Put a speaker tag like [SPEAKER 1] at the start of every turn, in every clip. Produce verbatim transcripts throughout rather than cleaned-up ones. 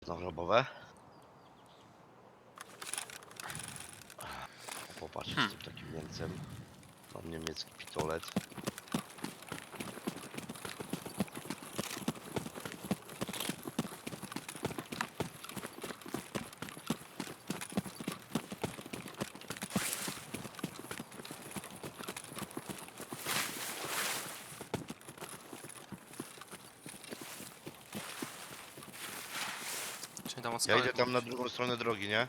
[SPEAKER 1] Zagrobowe. Popatrz,
[SPEAKER 2] Hmm.
[SPEAKER 1] jestem takim Niemcem. Mam niemiecki pistolet.
[SPEAKER 2] Czyli tam od
[SPEAKER 1] Ja
[SPEAKER 2] skałek
[SPEAKER 1] idę tam na
[SPEAKER 2] mówisz.
[SPEAKER 1] drugą stronę drogi, nie?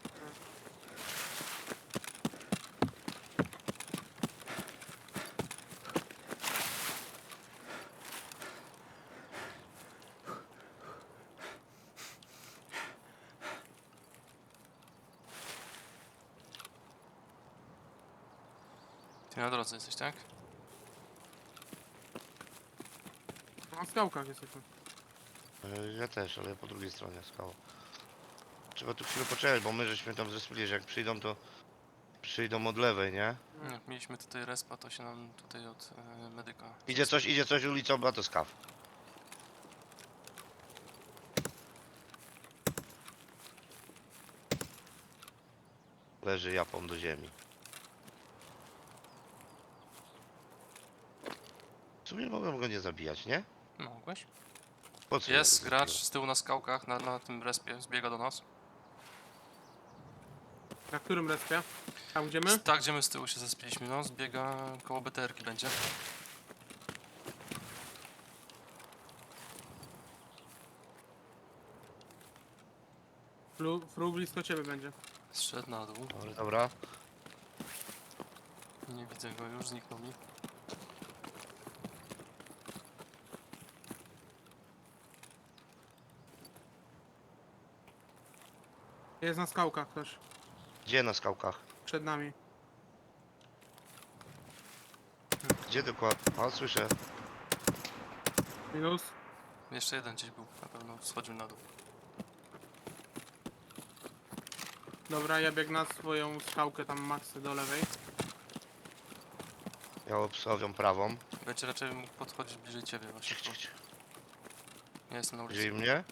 [SPEAKER 2] Ty na drodze jesteś, tak?
[SPEAKER 3] Na skałkach jesteśmy.
[SPEAKER 1] E, Ja też, ale po drugiej stronie skała. Trzeba tu chwilę poczekać, bo my żeśmy tam zrespili, że jak przyjdą, to przyjdą od lewej, nie?
[SPEAKER 2] Jak mieliśmy tutaj respa, to się nam tutaj od e, medyka...
[SPEAKER 1] Idzie coś, idzie coś ulicą, a to skaw. Leży japą do ziemi. W sumie mogłem go nie zabijać, nie?
[SPEAKER 2] Mogłeś?
[SPEAKER 1] Po co ja
[SPEAKER 2] Jest
[SPEAKER 1] go
[SPEAKER 2] gracz
[SPEAKER 1] zabiłem?
[SPEAKER 2] z tyłu na skałkach, na, na tym respie, zbiega do nas.
[SPEAKER 3] Na którym respie? Tam gdzie my?
[SPEAKER 2] Tak, gdzie my z tyłu się zespiliśmy, no, zbiega koło B T R ki będzie.
[SPEAKER 3] Flu, fru blisko ciebie będzie.
[SPEAKER 2] Zszedł na dół,
[SPEAKER 1] Dobra, dobra.
[SPEAKER 2] nie widzę go już, zniknął mi.
[SPEAKER 3] Jest na skałkach też.
[SPEAKER 1] Gdzie na skałkach?
[SPEAKER 3] Przed nami.
[SPEAKER 1] Gdzie dokładnie? O, słyszę.
[SPEAKER 3] Minus.
[SPEAKER 2] Jeszcze jeden gdzieś był, na pewno schodził na dół.
[SPEAKER 3] Dobra, ja biegnę na swoją skałkę tam maksy do lewej.
[SPEAKER 1] Ja obstawiam prawą.
[SPEAKER 2] Będzie raczej mógł podchodzić bliżej ciebie właśnie.
[SPEAKER 1] Cich, cich, cich.
[SPEAKER 2] Ja jestem na ulicy.
[SPEAKER 1] Widzieli mnie?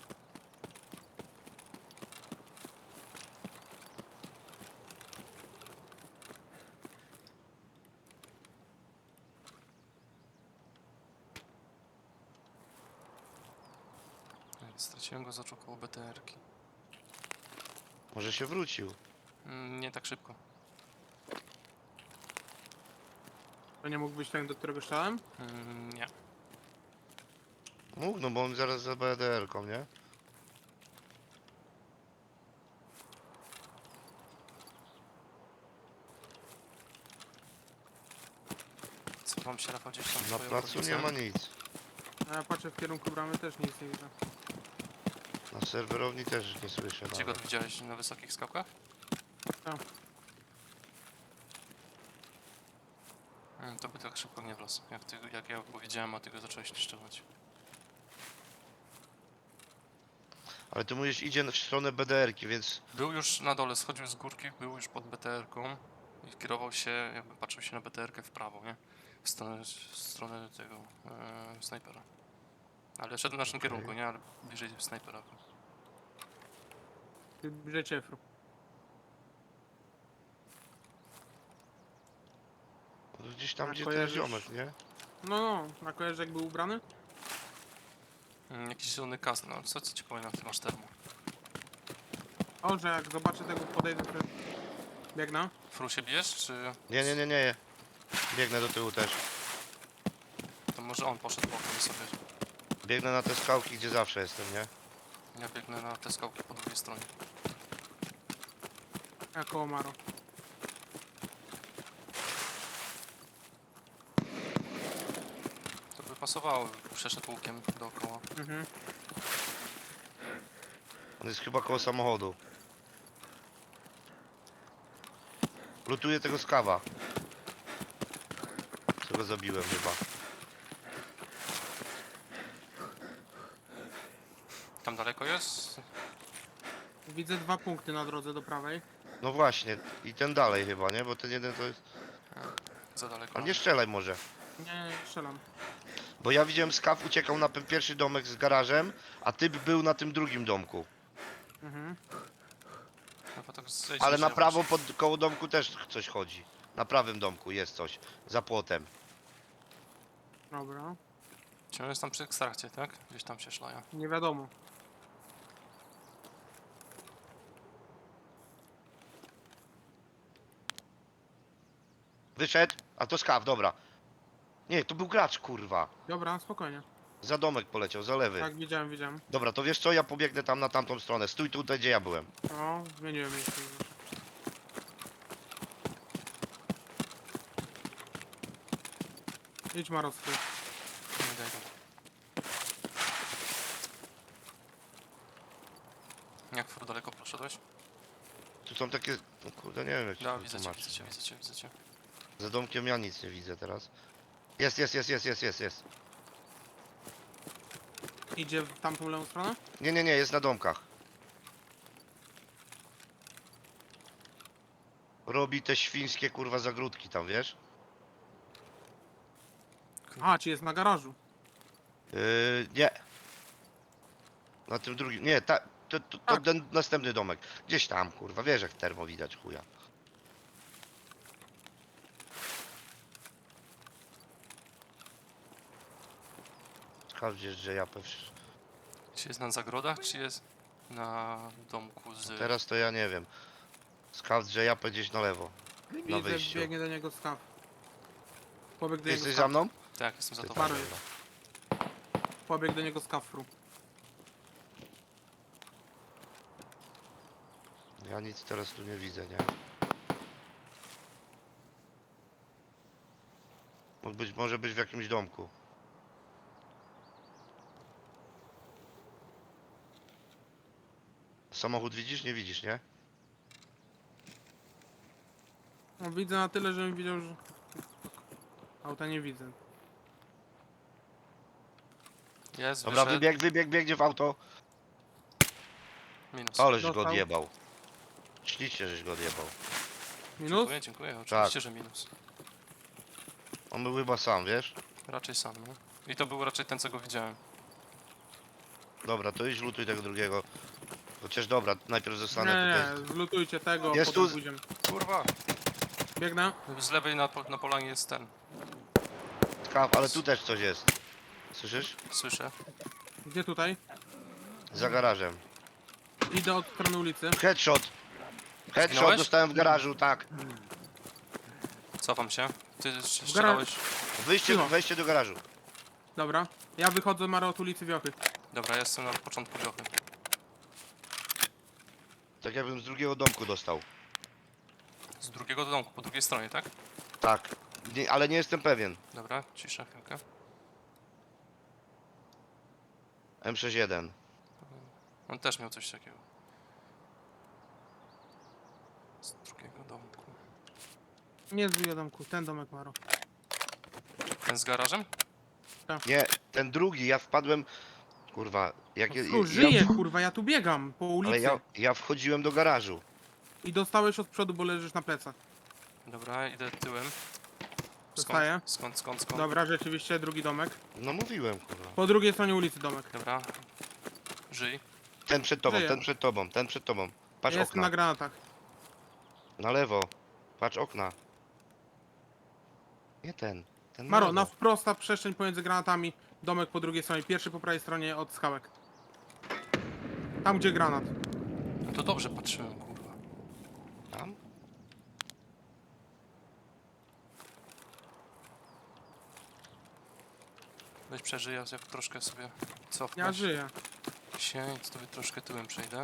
[SPEAKER 2] Straciłem go z oczu koło B T R ki.
[SPEAKER 1] Może się wrócił.
[SPEAKER 2] Mm, Nie tak szybko.
[SPEAKER 3] To nie mógł być ten, do którego strzelałem?
[SPEAKER 2] Mm, Nie.
[SPEAKER 1] Mógł, no bo on zaraz za B D R-ką, nie?
[SPEAKER 2] Co wam się Rafał gdzieś tam
[SPEAKER 1] Na
[SPEAKER 2] twoją
[SPEAKER 1] placu nie
[SPEAKER 2] pozycję?
[SPEAKER 1] ma nic.
[SPEAKER 3] A ja patrzę w kierunku bramy, też nic nie widzę.
[SPEAKER 1] Na serwerowni też nie słyszę
[SPEAKER 2] Gdzie go
[SPEAKER 1] nawet.
[SPEAKER 2] widziałeś? Na wysokich skałkach?
[SPEAKER 3] Tak.
[SPEAKER 2] Mm, To by tak szybko nie wlazł. Jak, ty, jak ja go widziałem, a ty go zacząłeś niszczyć.
[SPEAKER 1] Ale ty mówisz, idzie w stronę B D R-ki, więc...
[SPEAKER 2] Był już na dole, schodził z górki, był już pod B T R ką i kierował się, jakby patrzył się na B T R kę w prawo, nie? W stronę, w stronę tego e, snajpera. Ale szedł w naszym
[SPEAKER 1] Okej.
[SPEAKER 2] kierunku, nie? Ale bliżej snajpera.
[SPEAKER 3] Ty bliżej ciebie, fru.
[SPEAKER 1] Gdzieś tam,
[SPEAKER 3] A
[SPEAKER 1] gdzie ten
[SPEAKER 3] kojarzysz-
[SPEAKER 1] ziomek, nie?
[SPEAKER 3] No, no. A kojarzysz jak był ubrany?
[SPEAKER 2] Mm, Jakiś zielony kask, no co, co ci powiem, na ty masz termo?
[SPEAKER 3] O, że jak zobaczę tego, podejdę, to biegnę.
[SPEAKER 2] Fru się bijesz, czy
[SPEAKER 1] Nie, nie, nie, nie. Biegnę do tyłu też.
[SPEAKER 2] to może on poszedł bokiem sobie?
[SPEAKER 1] Biegnę na te skałki, gdzie zawsze jestem, nie?
[SPEAKER 2] Ja biegnę na te skałki po drugiej stronie.
[SPEAKER 3] Ja koło Maro.
[SPEAKER 2] To by pasowało, przeszedł łukiem dookoła.
[SPEAKER 3] Mhm.
[SPEAKER 1] On jest chyba koło samochodu. Lutuję tego skawa. Co go zabiłem chyba.
[SPEAKER 2] Tam daleko jest?
[SPEAKER 3] Widzę dwa punkty na drodze do prawej.
[SPEAKER 1] No właśnie, i ten dalej chyba, nie? Bo ten jeden to jest...
[SPEAKER 2] Za daleko.
[SPEAKER 1] Ale nie strzelaj może.
[SPEAKER 3] Nie, nie, strzelam.
[SPEAKER 1] Bo ja widziałem skaw uciekał na ten pierwszy domek z garażem, a typ był na tym drugim domku.
[SPEAKER 3] Mhm.
[SPEAKER 2] Chyba tak zejdź
[SPEAKER 1] Ale
[SPEAKER 2] niżej,
[SPEAKER 1] na prawo
[SPEAKER 2] właśnie.
[SPEAKER 1] pod koło domku też coś chodzi. Na prawym domku jest coś. Za płotem.
[SPEAKER 3] Dobra.
[SPEAKER 2] Czy on jest tam przy ekstrakcie, tak? Gdzieś tam się szlaja.
[SPEAKER 3] Nie wiadomo.
[SPEAKER 1] Wyszedł, a to skaw, dobra. Nie, to był gracz, kurwa.
[SPEAKER 3] Dobra, spokojnie.
[SPEAKER 1] Za domek poleciał, za lewy.
[SPEAKER 3] Tak, widziałem, widziałem.
[SPEAKER 1] Dobra, to wiesz co, ja pobiegnę tam na tamtą stronę. Stój tutaj, gdzie ja byłem.
[SPEAKER 3] O, zmieniłem miejsce. Idź Marowski.
[SPEAKER 2] Nie daj go. Jak fur daleko poszedłeś?
[SPEAKER 1] Tu są takie... No kurde, nie wiem jak ci
[SPEAKER 2] Da,
[SPEAKER 1] to
[SPEAKER 2] widzę cię,
[SPEAKER 1] tłumaczyć.
[SPEAKER 2] widzę cię, widzę cię, widzę cię.
[SPEAKER 1] Za domkiem ja nic nie widzę teraz. Jest, jest, jest, jest, jest, jest, jest.
[SPEAKER 3] Idzie w tamtą lewą stronę?
[SPEAKER 1] Nie, nie, nie, jest na domkach. Robi te świńskie kurwa zagródki tam, wiesz?
[SPEAKER 3] A, ci jest na garażu.
[SPEAKER 1] Yy, nie. Na tym drugim, nie, ta, to, to, to
[SPEAKER 3] Tak.
[SPEAKER 1] ten następny domek. Gdzieś tam, kurwa, wiesz jak termo widać, chuja. Sprawdzisz, że ja pewnie...
[SPEAKER 2] Czy jest na zagrodach, czy jest na domku z...
[SPEAKER 1] Teraz to ja nie wiem. Sprawdź, że ja gdzieś na lewo.
[SPEAKER 3] Widzę,
[SPEAKER 1] wyjściu.
[SPEAKER 3] biegnie do niego skaw. Pobiegł do
[SPEAKER 1] Ty
[SPEAKER 3] niego
[SPEAKER 1] jesteś
[SPEAKER 3] skaw.
[SPEAKER 1] za mną?
[SPEAKER 2] Tak, jestem za
[SPEAKER 1] Ty
[SPEAKER 2] tobą.
[SPEAKER 1] tam,
[SPEAKER 3] Paruj.
[SPEAKER 1] dobra.
[SPEAKER 3] Pobiegł do niego skafru.
[SPEAKER 1] Ja nic teraz tu nie widzę, nie? Mógł być, może być w jakimś domku. Samochód widzisz? Nie widzisz, nie?
[SPEAKER 3] No, widzę na tyle, żebym widział, że... Auta nie widzę.
[SPEAKER 2] Jest,
[SPEAKER 1] Dobra,
[SPEAKER 2] wyszedł.
[SPEAKER 1] wybieg, wybieg, biegnie w auto.
[SPEAKER 2] Minus.
[SPEAKER 1] Aleś go
[SPEAKER 3] Dostał.
[SPEAKER 1] odjebał. Ślicznie, żeś go odjebał.
[SPEAKER 3] Minus?
[SPEAKER 2] Dziękuję, dziękuję. Oczywiście,
[SPEAKER 1] Tak.
[SPEAKER 2] że minus.
[SPEAKER 1] On był chyba sam, wiesz?
[SPEAKER 2] Raczej sam, no. I to był raczej ten, co go widziałem.
[SPEAKER 1] Dobra, to idź lutuj tego drugiego. Chociaż dobra, najpierw
[SPEAKER 3] Nie,
[SPEAKER 1] zostanę tutaj.
[SPEAKER 3] nie, zlutujcie tego,
[SPEAKER 1] Jest
[SPEAKER 3] potem
[SPEAKER 1] tu-
[SPEAKER 3] pójdziemy.
[SPEAKER 2] Kurwa!
[SPEAKER 3] Biegnę.
[SPEAKER 2] Z lewej na, po- na polanie jest ten.
[SPEAKER 1] Skaw, ale tu też coś jest. Słyszysz?
[SPEAKER 2] Słyszę.
[SPEAKER 3] Gdzie tutaj?
[SPEAKER 1] Za garażem.
[SPEAKER 3] Idę od strony ulicy.
[SPEAKER 1] Headshot! Headshot
[SPEAKER 2] Zginąłeś?
[SPEAKER 1] dostałem w garażu, tak.
[SPEAKER 2] Cofam się. Ty
[SPEAKER 3] garażu.
[SPEAKER 2] strzelałeś.
[SPEAKER 1] Wyjście,
[SPEAKER 3] Cicho.
[SPEAKER 1] wejście do garażu.
[SPEAKER 3] Dobra. Ja wychodzę Maro od ulicy Wiochy.
[SPEAKER 2] Dobra, ja jestem na początku wiochy.
[SPEAKER 1] Tak jakbym z drugiego domku dostał.
[SPEAKER 2] Z drugiego do domku, po drugiej stronie, tak?
[SPEAKER 1] Tak. Nie, ale nie jestem pewien.
[SPEAKER 2] Dobra, cisza chwilkę.
[SPEAKER 1] M sześćdziesiąt jeden.
[SPEAKER 2] On też miał coś takiego. Z drugiego domku.
[SPEAKER 3] Nie z drugiego domku, ten domek Maro.
[SPEAKER 2] Ten z garażem?
[SPEAKER 1] Nie, ten drugi, ja wpadłem... Kurwa, jak ja,
[SPEAKER 3] Fru,
[SPEAKER 1] ja,
[SPEAKER 3] żyje, kurwa, ja tu biegam po ulicy.
[SPEAKER 1] ale ja, ja wchodziłem do garażu.
[SPEAKER 3] I dostałeś od przodu, bo leżysz na plecach.
[SPEAKER 2] Dobra, idę tyłem.
[SPEAKER 3] Dostaję.
[SPEAKER 2] Skąd, skąd, skąd, skąd?
[SPEAKER 3] Dobra, rzeczywiście, drugi domek.
[SPEAKER 1] No mówiłem, kurwa.
[SPEAKER 3] Po drugiej stronie ulicy domek.
[SPEAKER 2] Dobra. Żyj.
[SPEAKER 1] Ten przed tobą,
[SPEAKER 3] Żyję.
[SPEAKER 1] ten przed tobą, ten przed tobą. Patrz
[SPEAKER 3] Jestem
[SPEAKER 1] okna.
[SPEAKER 3] na granatach.
[SPEAKER 1] Na lewo. Patrz okna. Nie ten. Ten na
[SPEAKER 3] Maro,
[SPEAKER 1] lewo.
[SPEAKER 3] na wprosta przestrzeń pomiędzy granatami. Domek po drugiej stronie, pierwszy po prawej stronie od skałek. Tam gdzie granat.
[SPEAKER 2] No to dobrze patrzyłem, kurwa.
[SPEAKER 1] Tam?
[SPEAKER 2] Weź przeżyj, ja jak troszkę sobie cofnę
[SPEAKER 3] Ja żyję.
[SPEAKER 2] się i sobie troszkę tyłem przejdę.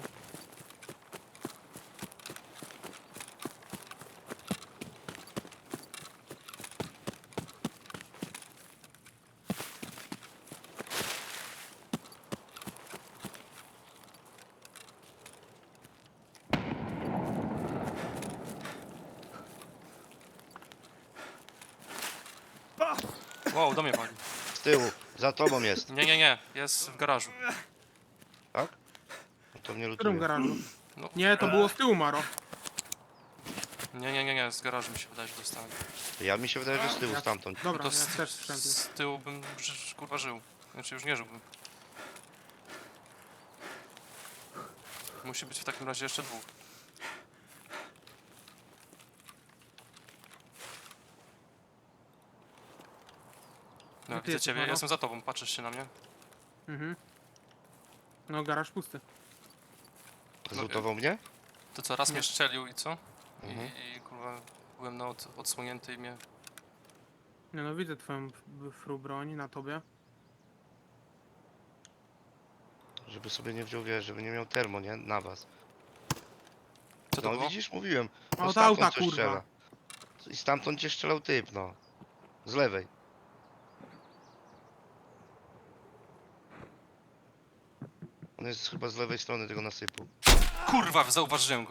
[SPEAKER 2] Wow, do mnie wali.
[SPEAKER 1] Z tyłu. Za tobą jest.
[SPEAKER 2] Nie, nie, nie, jest w garażu.
[SPEAKER 1] Tak? No to mnie
[SPEAKER 3] W którym
[SPEAKER 1] lutuje.
[SPEAKER 3] garażu?
[SPEAKER 2] No.
[SPEAKER 3] Nie, to było z tyłu Maro.
[SPEAKER 2] Nie, nie, nie, nie, z garażu mi się wydaje, że dostałem.
[SPEAKER 1] Ja mi się wydaje, że z tyłu
[SPEAKER 3] Ja-
[SPEAKER 1] stamtąd.
[SPEAKER 3] Dobra,
[SPEAKER 2] To
[SPEAKER 3] ja
[SPEAKER 2] z,
[SPEAKER 3] też słyszałem.
[SPEAKER 2] z tyłu bym ży- kurwa żył. Znaczy już nie żyłbym. Musi być w takim razie jeszcze dwóch. No,
[SPEAKER 3] No ty
[SPEAKER 2] widzę
[SPEAKER 3] jesteś,
[SPEAKER 2] ciebie, ja
[SPEAKER 3] Maro?
[SPEAKER 2] jestem za tobą, patrzysz się na mnie.
[SPEAKER 3] Mhm. No, garaż pusty.
[SPEAKER 1] Zlutował mnie?
[SPEAKER 2] To co, raz
[SPEAKER 3] Nie.
[SPEAKER 2] mnie strzelił i co?
[SPEAKER 1] Mhm.
[SPEAKER 2] I, I kurwa byłem na od, odsłonięty i mnie...
[SPEAKER 3] Nie no, widzę twoją f- fru broń na tobie.
[SPEAKER 1] Żeby sobie nie wziął, wiesz, żeby nie miał termo, nie? Na was.
[SPEAKER 2] Co to
[SPEAKER 1] No
[SPEAKER 2] było?
[SPEAKER 1] widzisz, mówiłem.
[SPEAKER 3] A
[SPEAKER 1] No
[SPEAKER 3] od auta,
[SPEAKER 1] stamtąd coś
[SPEAKER 3] kurwa.
[SPEAKER 1] strzela. I stamtąd cię strzelał typ, no. Z lewej. On jest chyba z lewej strony tego nasypu.
[SPEAKER 2] Kurwa, zauważyłem go.